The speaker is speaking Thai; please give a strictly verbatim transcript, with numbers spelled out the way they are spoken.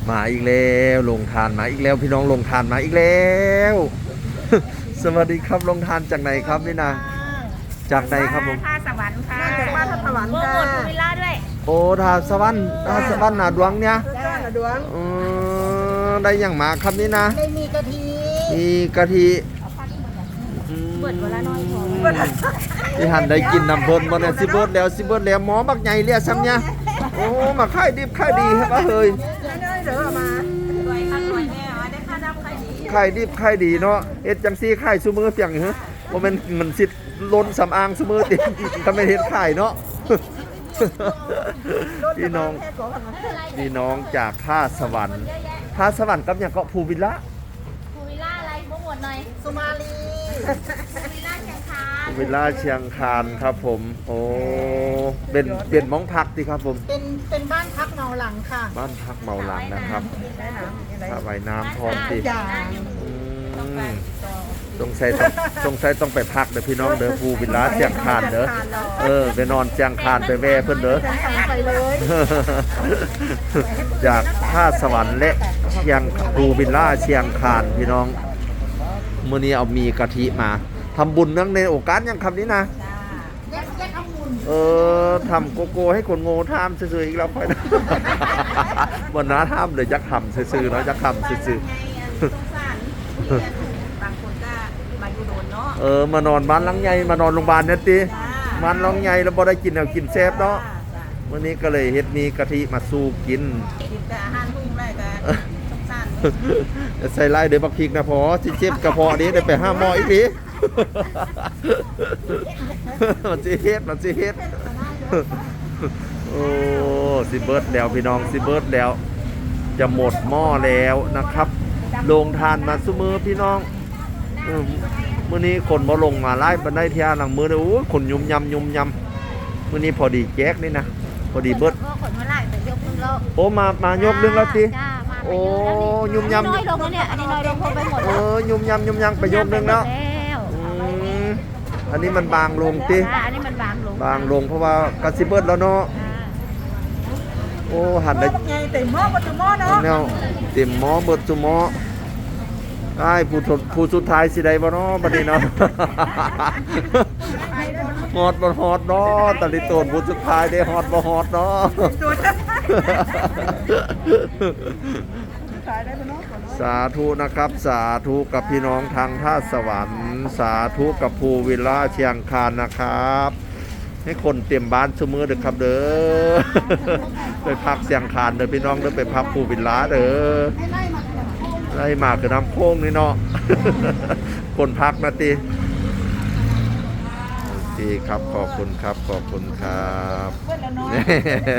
มาอีกแล้วลงทานมาอีกแล้วพี่น้องลงทานมาอีกแล้ว สวัสดีครับลงทานจากไหนครับนี่นะจากไหนครับผมท่าสวรรค์ค่ะจากบ้านท่าสวรรค์ค่ะโปรโมทภูวิลล่าด้วยโอ้ทาสวรรค์ทาสวรรค์นาดวงเนี่ยจ้าหน้าดวงอือได้อย่างมาครับนี่นะได้มีกะทิมีกะทิเบิดเวลาน้อยพอที่หันได้กินน้ำเพิ่นบ่เนี่ยสิเบิดแล้วสิเบิดแล้วหมอบักใหญ่เรียกซ้ำเนี่ยโอ้มาขายดิบขายดีครับเฮ้ยได้เดี๋ยวมารวยค่ะรวยแน่ได้ค่าดำค่าดีขายดิบขายดีเนาะเฮ็ดจังซี่ขายซุมื้อเปียงเหรอบ่แม่นมันสิล้นสำอางซุมื้อติถ้าไม่เฮ็ดขายเนาะพี่น้องพี่น้องจากท่าสวรรค์ท่าสวรรค์กับหยังเกาะภูวิลล่าภูวิลล่าอะไรโปรโมทหน่อยสุมาลีภูวิลล่าเชียงคานภูวิลล่าเชียงคานครับผมโอ้เป็นเป็นหม้องพักติครับผมเป็นเป็นบ้านพักเมาหลังค่ะบ้านพักเมาหลังนะครับสระว่ายน้ำพร้อมติจ้าสงสัยต้องสงสัยต้องไปพักเด้อพี่น้องเด้อภูวิลล่าเชียงคานเด้อเออไปนอนเชียงคานไปแว่เพิ่นเด้อไปเลยจากท่าสวรรค์และเชียงภูวิลล่าเชียงคานพี่น้องมื้อนี้เอามีกะทิมาทำบุญเนื่องในโอกาสยังคำนี้นะเออทำโกโก้ให้คนโง่ทำซื่อๆอีกแล้วค่อยนะวันน้าทำเลยจักทำซื่อๆเนาะจักทำซื่อๆเออมานอนบ้านหลังใหญ่มานอนโรงพยาบาลเนี่ยติบ้านหลังใหญ่แล้วบ่ได้กินแล้วกินแซ่บเนาะวันนี้ก็เลยเฮ็ดมีกะทิมาสู้กินกินแต่อาหารทุ่งได้แต่สงสารใส่ไล่เดี๋ยวบักพริกนะพอสิเจ็บกระเพาะนี้ได้ไปห้าหม้ออีกทีมันสิเฮ็ดมันสิเฮ็ดโอ้สิเบิร์ดแล้วพี่น้องสิเบิร์ดแล้วจะหมดหม้อแล้วนะครับลงทานมาซุมือพี่น้องมื้อนี้คนบ่ลงมาไล่บันไดเที่ยหลังมือเลยโอ้คนยุ่มยำยุ่มยำมื้อนี้พอดีแจ๊กนี่นะพอดีเบิร์ดขนมาไล่แต่ยกนึงแล้วโอ้มามายกนึงแล้วติโอ้ยุ่มยำน้อยลงแล้วเนี่ยอันนี้น้อยลงไปหมดเออยุ่มยำยุ่มยำไปยกนึงแล้วอันนี้มันบางลงติอันนี้มันบางลงบางลงเพราะว่ากระซิบเบิร์ดแล้วเนาะโอ้หันได้เต็มหม้อหมดหม้อเนาะแนวเต็มหม้อเบิดจุหม้อไอ้ผู้ผู้สุดท้ายสิได้บ่เนาะบัดนี้เนาะฮอดบ่ฮอดเนาะตะลิโตนผู้สุดท้ายได้ฮอดบ่ฮอดเนาะสาธุนะครับสาธุกับพี่น้องทางท่าสวรรค์สาธุกับภูวิลล่าเชียงคานนะครับให้คนเตรียมบ้านซุมื้อเด้อครับเด้อไปพักเชียงคานเด้อพี่น้องเด้อไปพักภูวิลล่าเด้อไล่มาคือน้ำโค้งนี่เนาะคนพักนะตีดีครับขอบคุณครับขอบคุณครับ